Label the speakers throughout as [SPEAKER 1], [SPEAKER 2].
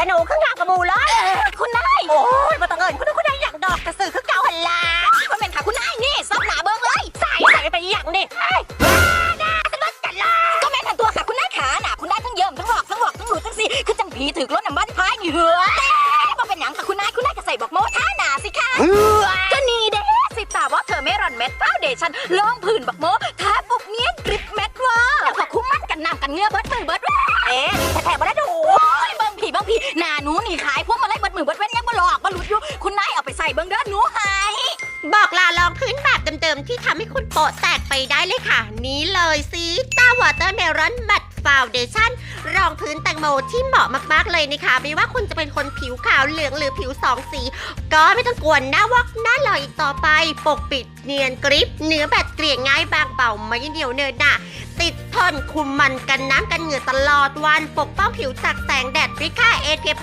[SPEAKER 1] หนูขึ้นงานกับมูเลยคุณนายโอ้ยมาต้องเอิญคุณนายอยากดอกกระสือขึ้นเก่าหันลาคุณเป็นค่ะคุณนายนี่ซับหนาเบิ้งเลยใส่ไปอย่างนี่น่าสนุกกันเลยก็แม่นตัวค่ะคุณนายขาหนาคุณนายทั้งเยิ่มทั้งหลอกทั้งหลุดทั้งสิคือจังผีถือรถน้ำบ้านพายเหงื่อมาเป็นหยังค่ะคุณนายก็ใส่บอกโมท่าหนาสิค่ะก็นี่เด้สิตาว่าเธอไม่รอนเม็ดฟาวเดชั่นลองผื่นบอกโมทาปุกเนี้ยกริบเม็ดว่าแล้วพอคุ้มมั่นกันน้ำกันเงือเบิดมือเบิดแถบมาแล้วดูบางผีหนาหนูหนีขายพวกมาไล่เบิดมือเบิดเว้นยังมาหลอกมาหลุดอยู่คุณนายเอาไปใส่เบิ้งเด้อหนูหาย
[SPEAKER 2] บอกลารองพื้นแบบเดิมๆที่ทำให้คุณโปะแตกไปได้เลยค่ะนี้เลยซีตาวอเตอร์เมลอนแมตต์ฟาวเดชั่นรองพื้นแตงโมที่เหมาะมากๆเลยนะคะไม่ว่าคุณจะเป็นคนผิวขาวเหลืองหรือผิวสองสีก็ไม่ต้องกวนหน้าวอกหน้าหล่ออีกต่อไปปกปิดเนียนกริบเนื้อแบบเกลี่ยง่ายบางเบาไม่เหนียวเนินหนะติดทนคุมมันกันน้ำกันเหงื่อตลอดวันปกป้องผิวจากแสงแดดด้วยค่า SPF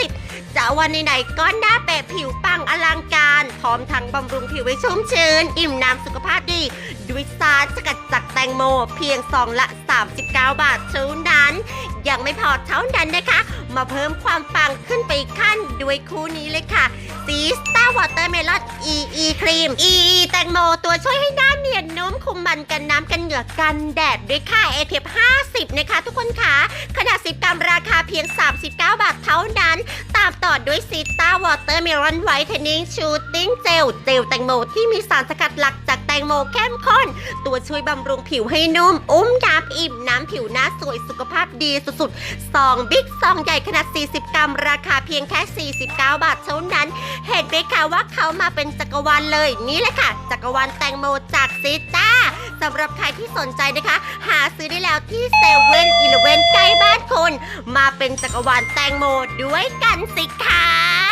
[SPEAKER 2] 50จะวันไหนๆก็หน้าเป๊ะผิวปังอลังการพร้อมทั้งบำรุงผิวให้ชุ่มชื้นอิ่มน้ำสุขภาพดีด้วยสารสกัดจากแตงโมเพียงซองละ39 บาทเท่านั้นยังไม่พอเท่านั้นนะคะมาเพิ่มความปังขึ้นไปอีกขั้นด้วยคู่นี้เลยค่ะซีสตาร์วอเตอร์เมลอน EE ครีม EE แตงโมตัวช่วยให้หน้าเนียนนุ่มคุมมันกันน้ำกันเหงื่อกันแดดด้วยค่า SPF 50นะคะทุกคนค่ะขนาด10 กรัมราคาเพียง39 บาทเท่านั้นตามต่อด้วยซีสตาร์วอเตอร์เมลอนไวท์เทนนิ่งชูตติ้งเจลแตงโมที่มีสารสกัดหลักจากแตงโมเข้มข้นตัวช่วยบำรุงผิวให้นุ่มน้ำอิ่มน้ำผิวหน้าสวยสุขภาพดีสุดๆซองบิ๊กซองใหญ่ขนาด40 กรัมราคาเพียงแค่49 บาทเท่านั้นเห็นไหมคะว่าเขามาเป็นจักรวาลเลยนี่แหละค่ะจักรวาลแตงโมจากซีจ้าสำหรับใครที่สนใจนะคะหาซื้อได้แล้วที่เซเว่นอีเลฟเว่นใกล้บ้านคุณมาเป็นจักรวาลแตงโมด้วยกันสิคะ